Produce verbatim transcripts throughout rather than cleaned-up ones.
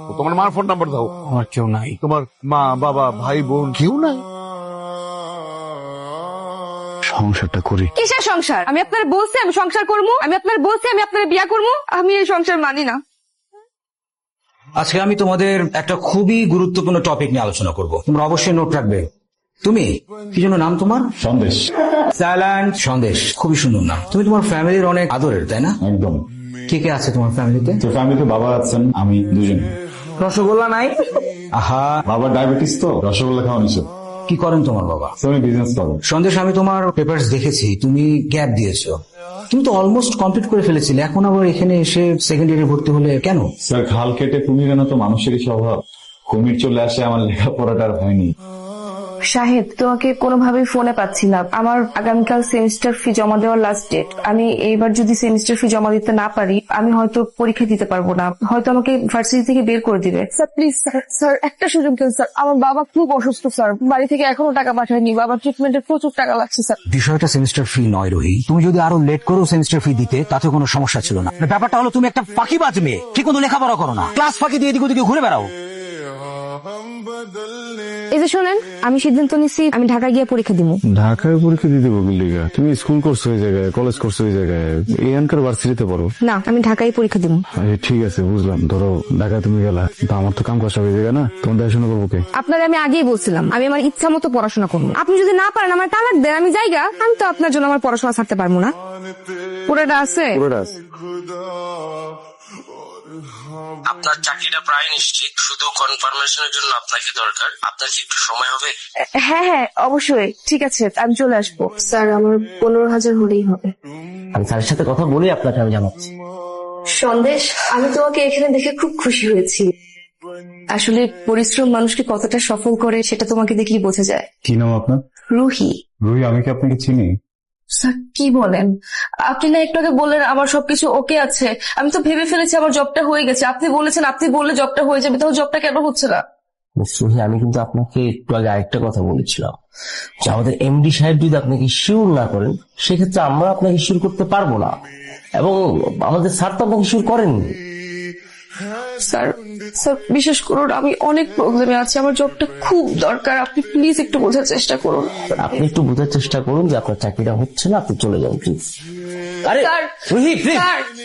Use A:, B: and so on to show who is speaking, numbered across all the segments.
A: তোমার মার phone number দাও।
B: আমার কেউ নাই।
A: তোমার মা বাবা ভাই বোন কেউ নাই? সংসারটা করি।
C: কিসের সংসার? আমি আপনার বলছি আমি সংসার করবো, আমি আপনার বলছি আমি আপনার বিয়া করবো। আমি এই সংসার মানি না।
B: আজকে আমি তোমাদের একটা খুবই গুরুত্বপূর্ণ টপিক নিয়ে আলোচনা করব, তোমরা অবশ্যই নোট রাখবে। তুমি কি জন্য নাম তোমার?
D: সন্দেশ।
B: সাইলেন্ট সন্দেশ, খুবই সুন্দর নাম। তুমি তোমার ফ্যামিলির অনেক আদরের, তাই না?
D: একদম।
B: কে কে আছে তোমার ফ্যামিলিতে?
D: তো ফ্যামিলিতে বাবা আছেন, আমি দুজন।
B: রসগোল্লা নাই? আহা,
D: বাবার ডায়াবেটিস তো রসগোল্লা খাওয়া নিষেধ।
B: কি করেন তোমার বাবা?
D: তুমি বিজনেস করো।
B: সন্দেশ, আমি তোমার পেপারস দেখেছি, তুমি গ্যাপ দিয়েছো। তুমি তো অলমোস্ট কমপ্লিট করে ফেলেছিলে, এখন আবার এখানে এসে সেকেন্ড ইয়ারে ভর্তি হলে কেন?
D: স্যার, খাল কেটে কুমির আনা তো মানুষেরই স্বভাব। কুমির চলে আসে, আমার লেখাপড়াটা আর হয়নি।
C: শাহেদ, তোমাকে কোনোভাবেই ফোনে পাচ্ছি না। আমার আগামীকাল সেমিস্টার ফি জমা দেওয়ার লাস্ট ডেট। আমি এইবার যদি সেমিস্টার ফি জমা দিতে না পারি, আমি হয়তো পরীক্ষা দিতে পারবো না, হয়তো আমাকে ভার্সিটি থেকে বের করে দিবে। স্যার প্লিজ স্যার, স্যার একটা সুযোগ দেন স্যার। আমার বাবা খুব অসুস্থ স্যার, বাড়ি থেকে এখনো টাকা পাঠায়নি, বাবার ট্রিটমেন্টের প্রচুর টাকা লাগছে স্যার।
B: বিষয়টা সেমিস্টার ফি নয় রোহি, তুমি যদি আরো লেট করো সেমিস্টার ফি দিতে তাতে কোনো সমস্যা ছিল না। ব্যাপারটা হলো তুমি একটা ফাঁকিবাজ মেয়ে, ঠিক মতো লেখাপড়া করো না, ক্লাস ফাঁকি দিয়ে এদিকে ওদিকে ঘুরে বেড়াও।
C: এই যে শোনেন, আমি সিদ্ধান্ত নিচ্ছি আমি ঢাকা গিয়ে পরীক্ষা দিব।
E: ঢাকায় পরীক্ষা দিতে বলিগা? তুমি স্কুল করছো ওই জায়গায়, কলেজ করছো ওই জায়গায়, এখানকার ভার্সিটিতে পড়ো
C: না, আমি ঢাকায় পরীক্ষা দিব।
E: ঠিক আছে, বুঝলাম। ধরো ঢাকায় তুমি গেলা, কিন্তু আমার তো কাম কাজ হয়ে জায়গা না, তোমার দেখাশোনা করবো কে?
C: আপনার আমি আগেই বলছিলাম আমি আমার ইচ্ছা মতো পড়াশোনা করবো। আপনি যদি না পারেন আমার তালাক দেন, আমি যাইগা। আমি তো আপনার জন্য আমার পড়াশোনা ছাড়তে পারবো না। পুরোটা আছে?
E: পুরোটা আছে।
F: আপনার চাকরিটা প্রায় নিশ্চিত, শুধু কনফার্মেশনের জন্য আপনাকে দরকার। আপনার কি একটু সময় হবে?
C: হ্যাঁ হ্যাঁ অবশ্যই, ঠিক আছে আমি চলে আসবো। স্যার আমার পনেরো হাজার হলেই হবে।
F: আমি স্যারের সাথে কথা বলে আপনাকে আমি জানাচ্ছি।
C: সন্দেশ, আমি তোমাকে এখানে দেখে খুব খুশি হয়েছি। আসলে পরিশ্রম মানুষকে কতটা সফল করে সেটা তোমাকে দেখলেই বোঝা যায়।
D: কি নাম আপনার?
C: রুহি।
D: রুহি, আমি কি আপনাকে চিনি?
C: স্যার কি বলেন? আপনি না একটু আগে বললেন আমার সবকিছু ওকে আছে, আমি তো ভেবে ফেলেছি আমার জবটা হয়ে গেছে। আপনি বলেছেন আপনি বললে জবটা হয়ে যাবে, তাহলে জবটা কেন হচ্ছে না?
F: রুহি, আমি কিন্তু আপনাকে একটু আগে আরেকটা কথা বলেছিলাম যে আমাদের এমডি সাহেব যদি আপনাকে শিওর না করেন, সেক্ষেত্রে আমরা আপনাকে শিওর করতে পারবো না, এবং আমাদের স্যার তো আপনাকে শিওর করেননি।
C: স্যার স্যার বিশ্বাস করুন, আমি অনেক প্রবলেমে আছি, আমার জবটা খুব দরকার। আপনি প্লিজ একটু বোঝার চেষ্টা করুন।
F: আপনি একটু বোঝার চেষ্টা করুন যে আপনার চাকরিটা হচ্ছে না, আপনি চলে যান প্লিজ। আরে Ruhi please.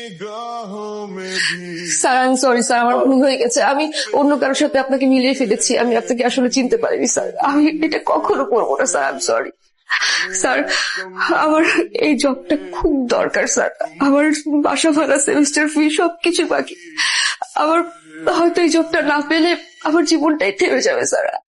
C: Sir I am sorry sir, আমার ভুল হয়ে গেছে। আমি অন্য কারোর সাথে আপনাকে মিলিয়ে ফেলেছি, আমি আপনাকে আসলে চিনতে পারিনি স্যার। আমি এটা কখনো করবো না sir, I am sorry sir. আমার এই জবটা খুব দরকার স্যার। আমার বাসা ভাড়া, সেমিস্টার ফি সবকিছু বাকি। আমার হয়তো এই জবটা না পেলে আমার জীবনটাই থেমে যাবে স্যার।